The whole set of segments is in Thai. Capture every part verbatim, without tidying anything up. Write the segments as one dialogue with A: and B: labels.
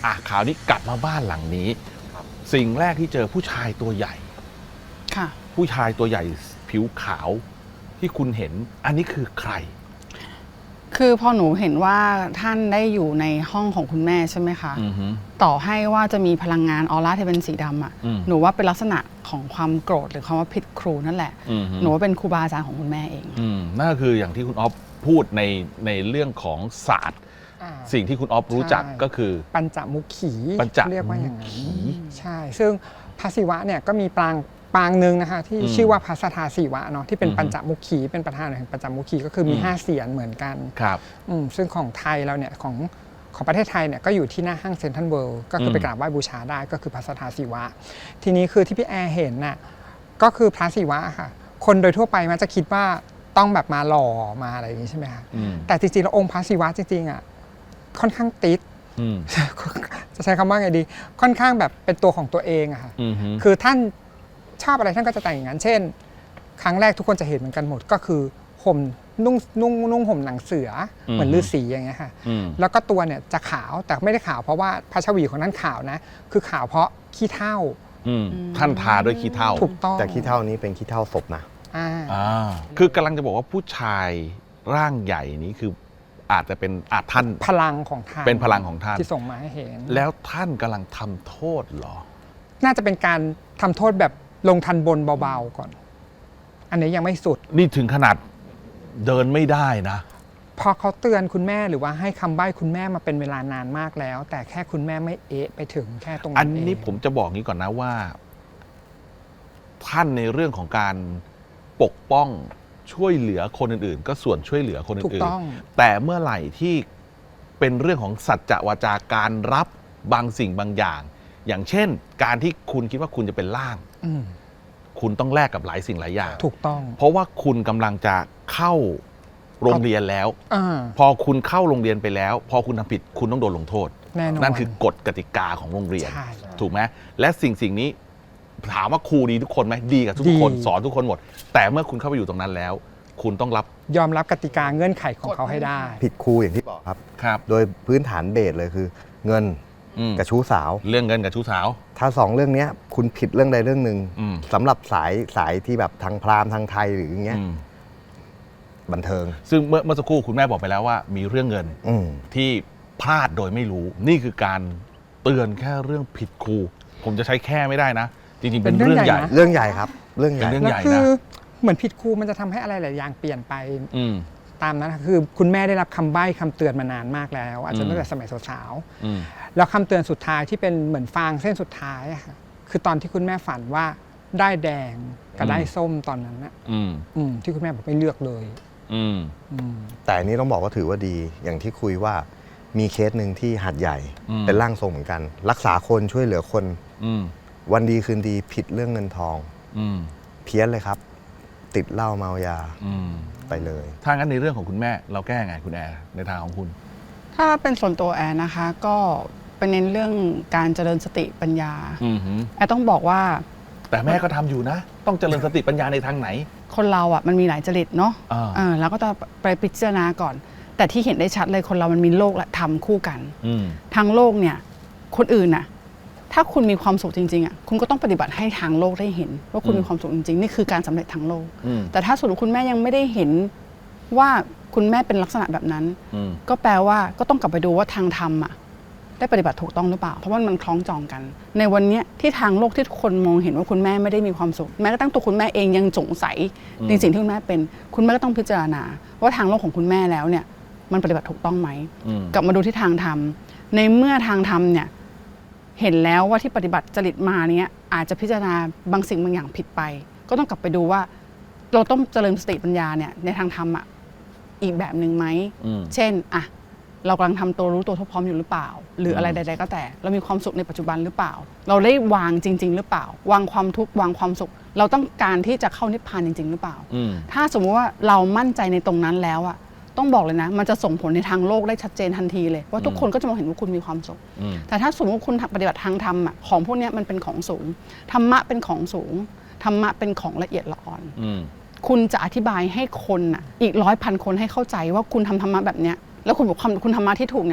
A: อ่ะคราวนี้กลับมาบ้านหลังนี้สิ่งแรกที่เจอผู้ชายตัวใหญ่
B: ค่ะ
A: ผู้ชายตัวใหญ่ผิวขาวที่คุณเห็นอันนี้คือใคร
B: คือพอหนูเห็นว่าท่านได้อยู่ในห้องของคุณแม่ใช่ไหมคะต่อให้ว่าจะมีพลังงานออร่าที่เป็นสีดำอ่ะหนูว่าเป็นลักษณะของความโกรธหรือคำว่าผิดครูนั่นแหละหนูว่าเป็นครูบาอาจารย์ของคุณแม่เอง
A: นั่นก็คืออย่างที่คุณอ๊อฟพูดในในเรื่องของศาสตร์สิ่งที่คุณอ๊อฟรู้จักก็คือ
C: ปัญจมุขีเรียกว่าอย่างนั้นใช่ซึ่งพระศิวะเนี่ยก็มีปรางปางหนึ่งนะคะที่ชื่อว่าพระสทาศิวะเนาะที่เป็นปัญจมุขีเป็นประธานแห่งปัญจมุขีก็คือมีห้าเสียนเหมือนกัน
A: ครับ
C: ซึ่งของไทยเราเนี่ยของของประเทศไทยเนี่ยก็อยู่ที่หน้าห้างเซ็นทรัลเวิลด์ก็คือไปกราบไหว้บูชาได้ก็คือพระสทาศิวะทีนี้คือที่พี่แอร์เห็นน่ะก็คือพระศิวะค่ะคนโดยทั่วไปมันจะคิดว่าต้องแบบมาหล่อมาอะไรอย่างนี้ใช่ไหมคะแต่จริงๆแล้วองค์พระศิวะจริงๆอ่ะค่อนข้างติดจะใช้คำว่าไงดีค่อนข้างแบบเป็นตัวของตัวเองอะค่ะคือท่านชอบอะไรท่านก็จะแต่งอย่างนั้นเช่นครั้งแรกทุกคนจะเห็นเหมือนกันหมดก็คือห่มนุ่งนุ่งนุ่งห่มหนังเสือเหมือนฤาษีอย่างเงี้ยค่ะแล้วก็ตัวเนี่ยจะขาวแต่ไม่ได้ขาวเพราะว่าพระชวีของท่านขาวนะคือขาวเพราะขี้เถ้า
A: ท่านทาด้วยขี้เถ้า
C: ถูกต้อง
D: แต่ขี้เถ้านี้เป็นขี้เถ้าศพนะ
A: คือกำลังจะบอกว่าผู้ชายร่างใหญ่นี้คืออาจจะเป็นอาท่าน
C: พลังของท่าน
A: เป็นพลังของท่าน
C: ที่ส่งมาให้เห็น
A: แล้วท่านกำลังทำโทษหรอ
C: น่าจะเป็นการทำโทษแบบลงทันบนเบาๆก่อนอันนี้ยังไม่สุด
A: นี่ถึงขนาดเดินไม่ได้นะ
C: พอเขาเตือนคุณแม่หรือว่าให้คำใบ้คุณแม่มาเป็นเวลานานมากแล้วแต่แค่คุณแม่ไม่เอะไปถึงแค่ตรงนั้น
A: อันนี้ผมจะบอกงี้ก่อนนะว่าท่านในเรื่องของการปกป้องช่วยเหลือคนอื่นๆก็ส่วนช่วยเหลือคนอื่นๆแต่เมื่อไหร่ที่เป็นเรื่องของสัจจะวาจาการรับบางสิ่งบางอย่างอย่างเช่นการที่คุณคิดว่าคุณจะเป็นล่างคุณต้องแลกกับหลายสิ่งหลายอย่าง
C: ถูกต้อง
A: เพราะว่าคุณกำลังจะเข้าโรงเรียนแล้วพอคุณเข้าโรงเรียนไปแล้วพอคุณทำผิดคุณต้องโดนลงโทษนั่นคือกฎกติกาของโรงเรียนถูกไหมและสิ่งสิ่งนี้ถามว่าครูดีทุกคนไหมดีกับทุกคนสอนทุกคนหมดแต่เมื่อคุณเข้าไปอยู่ตรงนั้นแล้วคุณต้องรับ
C: ยอมรับกติกาเงื่อนไขของเขาให้ได้
D: ผิดครูอย่างที่บอกครับ
A: ครับ
D: โดยพื้นฐานเบสเลยคือเงินกับชู้สาว
A: เรื่องเงินกับชู้สาว
D: ถ้าสองเรื่องนี้คุณผิดเรื่องใดเรื่องหนึ่งสำหรับสายสายที่แบบทางพราหมณ์ทางไทยหรืออย่างเงี้ยบันเทิง
A: ซึ่งเมื่อเมื่อสักครู่คุณแม่บอกไปแล้วว่ามีเรื่องเงินที่พลาดโดยไม่รู้นี่คือการเตือนแค่เรื่องผิดครูผมจะใช้แค่ไม่ได้นะจริงๆเป็นเรื่องใหญ่
D: เรื่องใหญ่ครับเรื่องใหญ่
A: เรื่องใหญ่
C: นะเหมือนผิดครูมันจะทำให้อะไรหลายอย่างเปลี่ยนไปตามนั้นคือคุณแม่ได้รับคำใบ้คำเตือนมานานมากแล้วอาจจะตั้งแต่สมัยสาวๆแล้วคำเตือนสุดท้ายที่เป็นเหมือนฟางเส้นสุดท้ายค่ะคือตอนที่คุณแม่ฝันว่าได้แดงกับได้ส้มตอนนั้นนะที่คุณแม่บอกไม่เลือกเลย
D: แต่อันนี้ต้องบอกว่าถือว่าดีอย่างที่คุยว่ามีเคสหนึ่งที่หัดใหญ่เป็นร่างทรงเหมือนกันรักษาคนช่วยเหลือคนวันดีคืนดีผิดเรื่องเงินทองเพี้ยนเลยครับติดเหล้าเมายาไปเลย
A: ถ้างั้นในเรื่องของคุณแม่เราแก้ไงคุณแอร์ในทางของคุณ
B: ถ้าเป็นส่วนตัวแอร์นะคะก็เป็นเน้นเรื่องการเจริญสติปัญญาแอร์ต้องบอกว่า
A: แต่แม่ก็ทำอยู่นะต้องเจริญสติปัญญาในทางไหน
B: คนเราอ่ะมันมีหลายจริตเนาะแล้วก็จะไปพิจารณาก่อนแต่ที่เห็นได้ชัดเลยคนเรามันมีโลกและธรรมคู่กันทางโลกเนี่ยคนอื่นน่ะถ้าคุณมีความสุขจริงๆอ่ะคุณก็ต้องปฏิบัติให้ทางโลกได้เห็นว่าคุณมีความสุขจริงๆนี่คือการสำเร็จทางโลกแต่ถ้าสมมติคุณแม่ยังไม่ได้เห็นว่าคุณแม่เป็นลักษณะแบบนั้นก็แปลว่าก็ต้องกลับไปดูว่าทางธรรมอ่ะได้ปฏิบัติถูกต้องหรือเปล่าเพราะว่ามันคล้องจองกันในวันนี้ที่ทางโลกที่ทุกคนมองเห็นว่าคุณแม่ไม่ได้มีความสุขแม้กระทั่งตัวคุณแม่เองยังสงสัยในสิ่งที่คุณแม่เป็นคุณแม่ก็ต้องพิจารณาว่าทางโลกของคุณแม่แล้วเนี่ยมันปฏิบัติถูกต้องไหมกลับมาดูที่ทางธรรมในเมื่อทางธรรมเนี่ยเห็นแล้วว่าที่ปฏิบัติจริตมาเนี้ยอาจจะพิจารณาบางสิ่งบางอย่างผิดไปก็ต้องกลับไปดูว่าเราต้องเจริญสติปัญญาเนี่ยในทางธรรมอ่ะอีกแบบหนึ่งไหมเช่นอ่ะเรากำลังทำตัวรู้ตัวทั่วพร้อมอยู่หรือเปล่าหรืออะไรใดๆก็แต่เรามีความสุขในปัจจุบันหรือเปล่าเราได้วางจริงๆหรือเปล่าวางความทุกข์วางความสุขเราต้องการที่จะเข้านิพพานจริงๆหรือเปล่าถ้าสมมติว่าเรามั่นใจในตรงนั้นแล้วอ่ะต้องบอกเลยนะมันจะส่งผลในทางโลกได้ชัดเจนทันทีเลยว่าทุกคนก็จะมองเห็นว่าคุณมีความสุขแต่ถ้าสมมติว่าคุณปฏิบัติทางธรรมอ่ะของพวกนี้มันเป็นของสูงธรรมะเป็นของสูงธรรมะเป็นของละเอียดละอ่อนคุณจะอธิบายให้คนอ่ะอีกร้อยพันคนให้เข้าใจว่าคุณทำธรรมะแบบเนี้ยแล้วคุณบอกคุณธรรมะที่ถูกเนี่ย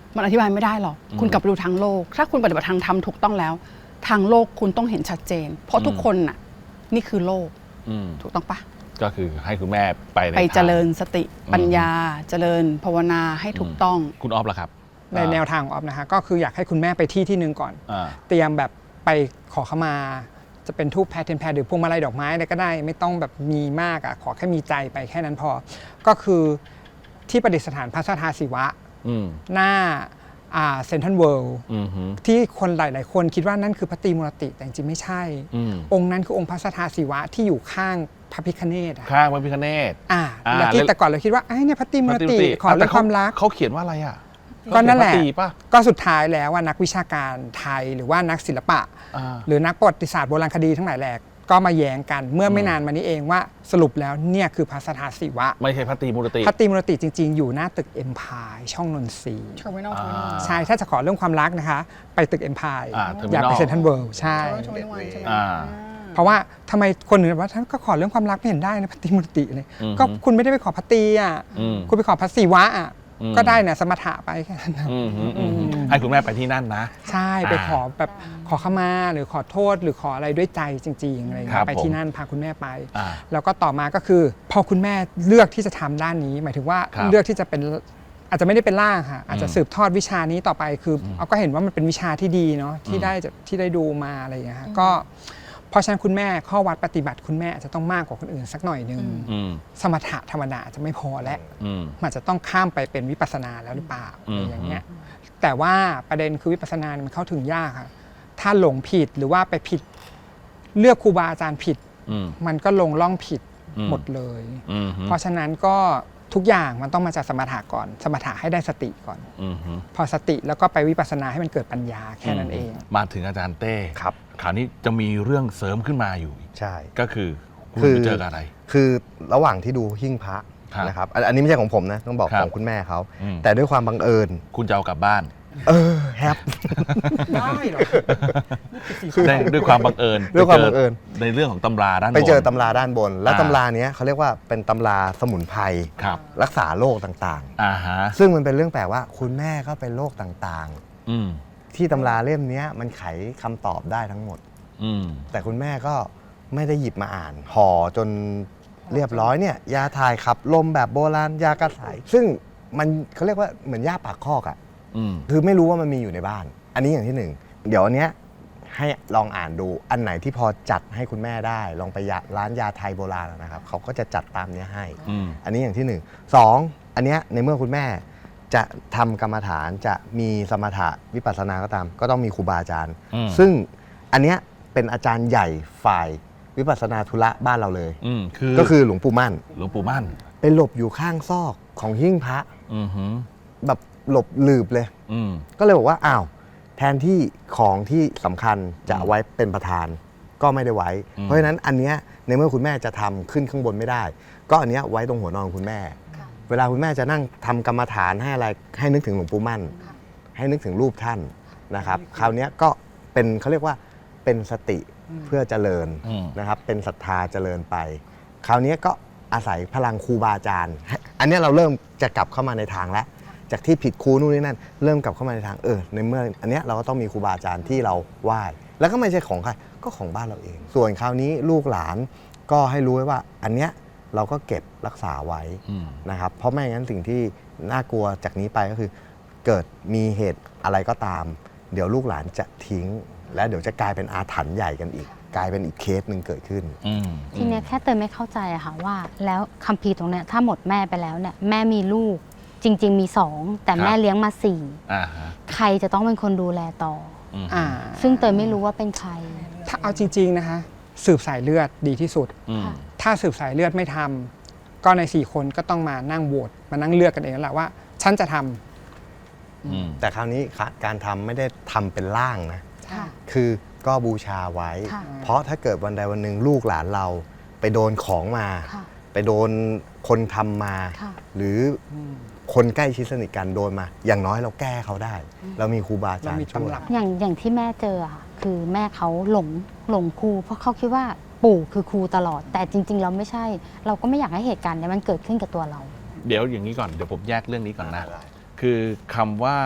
B: มันอธิบายไม่ได้หรอก
A: อืม
B: คุณกลับไปดูทางโลก ถ้าคุณปฏิบัติทางธรรมถูกต้องแล้ว ทางโลกคุณต้องเห็นชัดเจน เพราะทุกคนน่ะนี่คือโลก
A: อืม
B: ถูกต้องปะ
A: ก็คือให้คุณแม่ไปใน
B: ไป
A: ทาง
B: เจริญสติปัญญา เจริญภาวนาให้ถูกต้อง
A: คุณออฟล่ะครับ
C: ในแนวทางของออฟนะคะก็คืออยากให้คุณแม่ไปที่ที่หนึ่งก่อน
A: อ่า
C: เตรียมแบบไปขอขมา จะเป็นทูบแพทเทนแพรหรือพวงมาลัยดอกไม้อะไรก็ได้ ไม่ต้องแบบมีมากอ่ะขอแค่มีใจไปแค่นั้นพอ ก็คือที่ประดิษฐานพระสัทธาศิวะ
A: อืม
C: หน้าเซ็นทรัลเวิลด์
A: อืมฮึ
C: ที่คนหลาย ๆ คนคิดว่านั่นคือพระตรีมูรติแต่จริงๆไม่ใช่
A: อืม
C: องค์นั้นคือองค์พระสัทธาศิวะที่อยู่ข้างพระพิฆเนศอะ
A: ข้างพระพิฆเนศ
C: อ่า
A: อ่า
C: แล้วที่
A: แล้ว
C: แต่ก่อนเราคิดว่าไอ้เนี่ยพระตรีมูรติขอเรื่องความรัก
A: เขาเขียนว่าอะไรอ่ะ
C: ก็นั่นแหละ
A: เขาเขียพรตรีป่ะ
C: ก็สุดท้ายแล้วว่านักวิชาการไทยหรือว่านักศิลปะ
A: อ่า
C: หรือนักประวัติศาสตร์โบราณคดีทั้งหลายแหลกก็มาแย้งกันเมื่อไม่นานมานี้เองว่าสรุปแล้วเนี่ยคือพระสัทธาศิวะ
A: ไม่ใช่พระตรีมูรติ
C: พระตรีมูรติจริง ๆ อยู่หน้าตึกเอ็มพายช่องนนทรีย์
B: Terminal
A: อ่า
C: ใช่ถ้าจะขอเรื่องความรักนะคะ ไปตึกเอ็มพาย
A: อ่า
C: อย่าไป
A: Terminal
C: เซ็นทรัลเวิลด์ใช่
B: Terminal ใช่ไหม
A: อ่า
C: เพราะว่าทำไมคนอื่นว่าท่านก็ขอเรื่องความรักไม่เห็นได้นะพระตรีมูรติเลย
A: อืม
C: ก็คุณไม่ได้ไปขอพระตรีอ่ะ
A: อืม
C: คุณไปขอพระศิวะอ่ะ
A: อืม
C: ก็ได้นะสมถะไปแค่นั้นนะ
A: อืมฮึอืมฮึให้คุณแม่ไปที่นั่นนะ
C: ใช่ไป
A: อ่า
C: ขอแบบขอขมาหรือขอโทษหรือขออะไรด้วยใจจริงๆอะไรอย่าง
A: ครั
C: เงี้
A: บ
C: ยไปที่นั่นพาคุณแม่ไป
A: อ่า
C: แล้วก็ต่อมาก็คือ พอคุณแม่เลือกที่จะทำด้านนี้ หมายถึงว่า
A: ครับ
C: เลือกที่จะเป็นอาจจะไม่ได้เป็นล่างค่ะอาจจะ
A: อืม
C: สืบทอดวิชานี้ต่อไปคืออ
A: ม
C: เอาก็เห็นว่ามันเป็นวิชาที่ดีเนาะที่
A: อืม
C: ได้จะที่ได้ดูมาอะไรอย่างเงี้ยค่ะก็เพราะฉะนั้นคุณแม่ข้อวัดปฏิบัติคุณแม่อาจจะต้องมากกว่าคนอื่นสักหน่อยนึง
A: อืม
C: สมถะธรรมดาจะไม่พอแล้ว
A: อืม
C: มันจะต้องข้ามไปเป็นวิปัสสนาแล้วหรือเปล่า
A: อื
C: อะ
A: ม
C: ไรอย่างเงี้ยแต่ว่าประเด็นคือวิปัสสนาเนี่ยมันเข้าถึงยากค่ะถ้าหลงผิดหรือว่าไปผิดเลือกครูบาอาจารย์ผิด
A: อืม
C: มันก็ลงล่องผิด
A: อืม
C: หมดเลย
A: อืมฮึ
C: เพราะฉะนั้นก็ทุกอย่างมันต้องมาจากสมถะก่อน สมถะให้ได้สติก่อน
A: อืมฮึ
C: พอสติแล้วก็ไปวิปัสสนาให้มันเกิดปัญญาแค่นั้นเอง
A: มาถึงอาจารย์เต้
D: ครับ
A: คราวนี้จะมีเรื่องเสริมขึ้นมาอยู่อีก
D: ใช่
A: ก็คือคุณ
D: คือ
A: ไปเจอกับอะไร
D: คือระหว่างที่ดูหิ้งพระ
A: ครับ
D: นะครับอันอันนี้ไม่ใช่ของผมนะต้องบอก
A: ครับ
D: ของคุณแม่เขา
A: อืม
D: แต่ด้วยความบังเอิญ
A: คุณจะเอากลับบ้าน
D: เออแฮป
C: ได้หรอ
A: ได้ด้วยความบังเอิญ
D: ด้วยความบังเอิญ
A: ไปจในเรื่องของตำราด้านบน
D: ไปเจอตำราด้านบน แล้ว
A: อ่า
D: ตำราเนี้ยเขาเรียกว่าเป็นตำราสมุนไพร
A: ครับ
D: รักษาโรคต่าง
A: อ่าฮะ
D: ๆ ซึ่งมันเป็นเรื่องแปลกว่าคุณแม่ก็เป็นโรคต่าง
A: อืม
D: ๆ ที่ตำราเล่มเนี้ยมันไขคำตอบได้ทั้งหมด
A: อืม
D: แต่คุณแม่ก็ไม่ได้หยิบมาอ่านห่อจนเรียบร้อยเนี่ยยาถ่ายขับลมแบบโบราณยากระสายซึ่งมันเขาเรียกว่าเหมือนยาปากคอกอะ
A: อืม
D: คือไม่รู้ว่ามันมีอยู่ในบ้าน อันนี้อย่างที่หนึ่งเดี๋ยวอันเนี้ยให้ลองอ่านดูอันไหนที่พอจัดให้คุณแม่ได้ ลองไปยาร้านยาไทยโบราณนะครับเขาก็จะจัดตามเนี้ยให้
A: อืม
D: อันนี้อย่างที่หนึ่งสองอันเนี้ยในเมื่อคุณแม่จะทำกรรมฐานจะมีสมถะวิปัสสนาก็ตาม ก็ต้องมีครูบาอาจารย์
A: อืม
D: ซึ่งอันเนี้ยเป็นอาจารย์ใหญ่ฝ่ายวิปัสสนาธุระบ้านเราเลย
A: อืมคือ
D: ก็คือหลวงปู่มั่น
A: หลวงปู่มั่น
D: ไปหลบอยู่ข้างซอกของหิ้งพระ
A: อือฮึ
D: แบบหลบหลืบเลย
A: อืม
D: ก็เลยบอกว่าอ้าวแทนที่ของที่สำคัญจะไว้เป็นประธานก็ไม่ได้ไว้
A: อืม
D: เพราะฉะนั้นอันเนี้ยในเมื่อคุณแม่จะทำขึ้นข้างบนไม่ได้ ก็อันเนี้ยไว้ตรงหัวนอนของคุณแม่ เวลาคุณแม่จะนั่งทำกรรมฐานให้อะไรให้นึกถึงหลวงปู่มั่น ให้นึกถึงรูปท่านนะครับ คราวเนี้ยก็เป็นเขาเรียกว่าเป็นสติเพื่อเจริญ
A: อืม
D: นะครับ เป็นศรัทธาเจริญไป คราวเนี้ยก็อาศัยพลังครูบาอาจารย์ อันเนี้ยเราเริ่มจะกลับเข้ามาในทางแล้ว จากที่ผิดครูนู่นนี่นั่นเริ่มกลับเข้ามาในทางเออในเมื่ออันเนี้ยเราก็ต้องมีครูบาอาจารย์ที่เราไหว้แล้วก็ไม่ใช่ของใครก็ของบ้านเราเอง ส่วนคราวนี้ลูกหลานก็ให้รู้ไว้ว่าอันเนี้ยเราก็เก็บรักษาไว้
A: อืม
D: นะครับเพราะไม่งั้นสิ่งที่น่ากลัวจากนี้ไปก็คือ เกิดมีเหตุอะไรก็ตาม เดี๋ยวลูกหลานจะทิ้ง และเดี๋ยวจะกลายเป็นอาถรรพ์ใหญ่กันอีก กลายเป็นอีกเคสหนึ่งเกิดขึ้น
A: อืม
E: ทีเนี้ยแค่เตยไม่เข้าใจอะค่ะว่า แล้วคัมภีร์ตรงเนี้ยถ้าหมดแม่ไปแล้วเนี่ยแม่มีลูกจริง ๆ มีสองแต่แม่เลี้ยงมาสี่
A: อ่าฮะ
E: ใครจะต้องเป็นคนดูแลต่อ
A: อืม
C: อ่า
E: ซึ่งเตยไม่รู้ว่าเป็นใคร
C: ถ้าเอาจริง ๆนะคะ สืบสายเลือดดีที่สุด
A: อืม
C: ถ้าสืบสายเลือดไม่ทำก็ในสี่คนก็ต้องมานั่งโหวตมานั่งเลือกกันเองแล้วแหละว่า ฉันจะทำ
A: อืม
D: แต่คราวนี้การทำไม่ได้ทำเป็นร่างนะ
E: ค่ะ
D: คือก็บูชาไว้
E: ค่ะ
D: เพราะถ้าเกิดวันใดวันหนึ่งลูกหลานเราไปโดนของมา
E: ค่ะ
D: ไปโดนคนทำมา
E: ค่ะ
D: หรือคนใกล้ชิดสนิทกันโดนมา อย่างน้อยเราแก้เขาได้ เรามีครูบาอาจาร
C: เรามี
D: ย์ช่วย
C: ตำรับ
E: อย่างอย่างที่แม่เจออะค่ะคือแม่เขาหลงหลงครู เพราะเขาคิดว่าปู่คือครูตลอด แต่จริง ๆ เราไม่ใช่ เราก็ไม่อยากให้เหตุการณ์เนี้ยมันเกิดขึ้นกับตัวเรา
A: เดี๋ยวอย่างนี้ก่อน เดี๋ยวผมแยกเรื่องนี้ก่อนนะ
D: ได้
A: คือคำว่า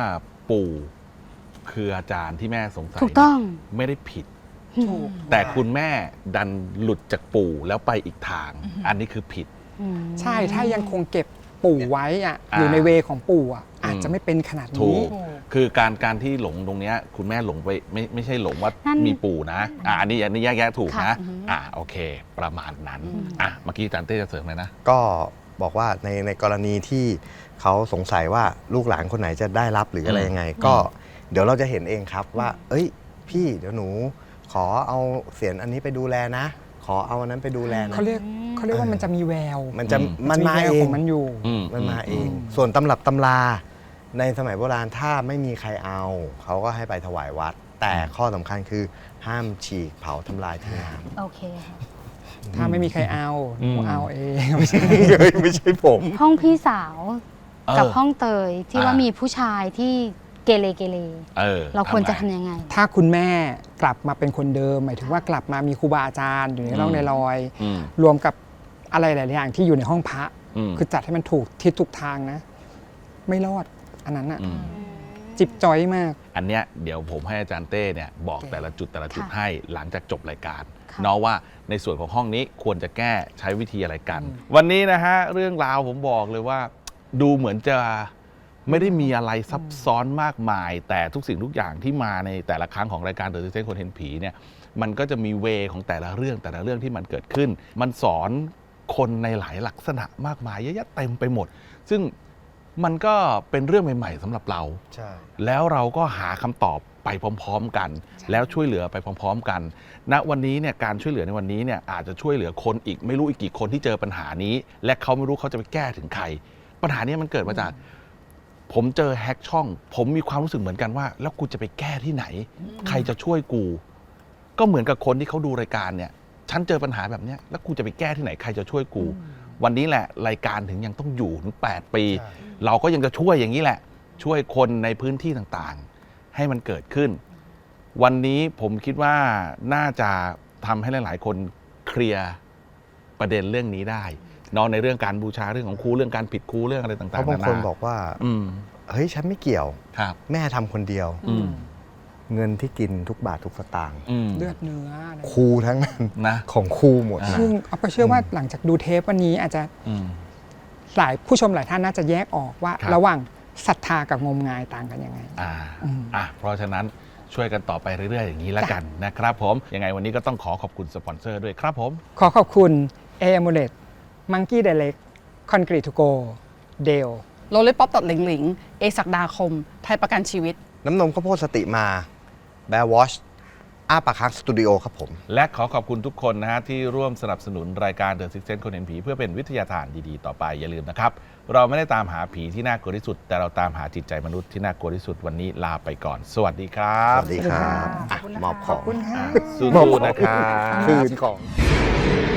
A: ปู่คืออาจารย์ที่แม่สงสัย
E: ถูกต้อง
A: ไม่ได้ผิด
B: ถูก
A: แต่คุณแม่ดันหลุดจากปู่แล้วไปอีกทาง อันนี้คือผิด
E: อืม
C: ใช่ถ้ายังคงเก็บปู่ไว้อะ
A: อ่า
C: อยู่ในเวของปู่อะ
A: อืม
C: อาจจะไม่เป็นขนาด
A: ถู
C: นี้
A: ก คือการการที่หลงตรงเนี้ยคุณแม่หลงไปไม่ไม่ใช่หลงว่า
E: นั่น
A: มีปู่นะอ่ะอันนี้อันนี้แยกแยะถูก
E: ค่ะ
A: นะอ่ะโอเค ประมาณนั้นอ่ะเมื่อกี้อาจารย์เต้จะเสริมเลยนะ
D: ก็บอกว่าในในกรณีที่เขาสงสัยว่าลูกหลานคนไหนจะได้รับหรืออะไรยังไง ก็เดี๋ยวเราจะเห็นเองครับว่า เอ้ย พี่เดี๋ยวหนูขอเอาเสียงอันนี้ไปดูแลนะ ขอเอาอันนั้นไปดูแลนะ
C: เขาเรียกเขาเรียกว่ามันจะมีแวว
D: มันจะ
A: อืม
D: มันมา
C: แวว
D: เอ
C: ของ งมันอยู่
A: อืม
D: มันมาเอง
C: อืม
D: ส่วนตำรับตำราในสมัยโบราณถ้าไม่มีใครเอา เขาก็ให้ไปถวายวัด แต่ข้อสำคัญคือห้ามฉีกเผาทำลายทิ้งน้ำ
E: โอเคค่ะ
C: ถ้าไม่มีใครเอาหนู
A: อืม
C: เอาเองไม่ใช่
D: ไม่ใช่ผม
E: ห้องพี่สาว
A: เออ
E: กับห้องเตยที่ว่า
A: อ่ามี
E: มีผู้ชายที่เกเรเกเร
A: เออ
E: เราควรจะ
A: ไง
E: ทำยังไง
C: ถ้าคุณแม่กลับมาเป็นคนเดิม หมายถึงว่ากลับมามีครูบาอาจารย์อยู่ในร่องในรอย
A: อืม
C: รวมกับอะไรหลาย ๆ อย่างที่อยู่ในห้องพระ
A: อืม
C: คือจัดให้มันถูกทิศถูกทางนะ ไม่รอดอันนั้นอะ
A: อืม
C: จิบจอยมาก
A: อันเนี้ยเดี๋ยวผมให้อาจารย์เต้เนี่ยบอก
C: โอเค
A: แต่ละจุดแต่ละจุด
E: ค่ะ
A: ให้หลังจากจบรายการ
E: ค่ะ
A: เนาะว่าในส่วนของห้องนี้ควรจะแก้ใช้วิธีอะไรกัน วันนี้นะฮะเรื่องราวผมบอกเลยว่า ดูเหมือนจะไม่ได้มีอะไรซับซ้อนมากมาย แต่ทุกสิ่งทุกอย่างที่มาในแต่ละครั้งของรายการเดอะซิกเซนคนเห็นผีเนี่ยมันก็จะมีเวของแต่ละเรื่องแต่ละเรื่องที่มันเกิดขึ้น มันสอนคนในหลายลักษณะมากมายเยอะแยะเต็มไปหมด ซึ่งมันก็เป็นเรื่องใหม่ ๆสำหรับเรา
D: ใช่
A: แล้วเราก็หาคำตอบไปพร้อมๆกัน แล้วช่วยเหลือไปพร้อมๆกัน ณ วันนี้เนี่ยการช่วยเหลือในวันนี้เนี่ยอาจจะช่วยเหลือคนอีกไม่รู้อีกกี่คนที่เจอปัญหานี้ และเขาไม่รู้เขาจะไปแก้ถึงใคร ปัญหานี้มันเกิดมาจาก ผมเจอแฮกช่อง ผมมีความรู้สึกเหมือนกันว่า แล้วกูจะไปแก้ที่ไหน ใครจะช่วยกู ก็เหมือนกับคนที่เขาดูรายการเนี่ย ฉันเจอปัญหาแบบเนี้ยแล้วกูจะไปแก้ที่ไหนใครจะช่วยกู วันนี้แหละรายการถึงยังต้องอยู่ถึงแปดปี
D: ใช่
A: เราก็ยังจะช่วยอย่างนี้แหละ ช่วยคนในพื้นที่ต่างๆ ให้มันเกิดขึ้น วันนี้ผมคิดว่าน่าจะทำให้หลายๆ คนเคลียร์ประเด็นเรื่องนี้ได้เนอกในเรื่องการบูชาเรื่องของครูเรื่องการผิดครูเรื่องอะไรต่างๆ
D: เพราะบางคนบอกว่า
A: อืม
D: เฮ้ยฉันไม่เกี่ยว
A: ครับ
D: แม่ทำคนเดียว
A: อืม
D: เงินที่กินทุกบาททุกสตางค์
A: อืม
C: เลือดเนื้ออะไร
D: ครูทั้งนั้น
A: นะ
D: ของครูหมด
A: อ่า
D: นะ
C: ซึ่งเอาไปเชื่อว่าหลังจากดูเทปวันนี้อาจจะ
A: อืม
C: หลายผู้ชมหลายท่านน่าจะแยกออกว่า
A: ครับ
C: ระหว่างศรัทธากับงมงายต่างกันยังไง
A: อ่า
C: อืม
A: อ่ะเพราะฉะนั้นช่วยกันต่อไปเรื่อยๆ อย่างนี้แล้วกันนะครับผม ยังไงวันนี้ก็ต้องขอขอบคุณสปอนเซอร์ด้วยครับผม
C: ขอขอบคุณ เอ มูเลต มังกี้ไดเล็ก คอนกรีตทูโก เดล
B: โรลเลอร์ป๊อปตัดหลิงหลิง เอศักดาคม ไทยประกันชีวิต
D: น้ำนมข้าวโพดสติมาแบร์วอชอ้าปากค้างสตูดิโอครับผม
A: และขอขอบคุณทุกคนนะฮะที่ร่วมสนับสนุนรายการ The Sixth Sense คนเห็นผีเพื่อเป็นวิทยาทานดีๆ ต่อไปอย่าลืมนะครับ เราไม่ได้ตามหาผีที่น่ากลัวที่สุด แต่เราตามหาจิตใจมนุษย์ที่น่ากลัวที่สุดวันนี้ลาไปก่อน สวัสดีครั
D: ส
A: บ
D: วัสดีครับอ่ะมอบของ
A: อ่ะสู้ๆนะครับ
D: คืนของ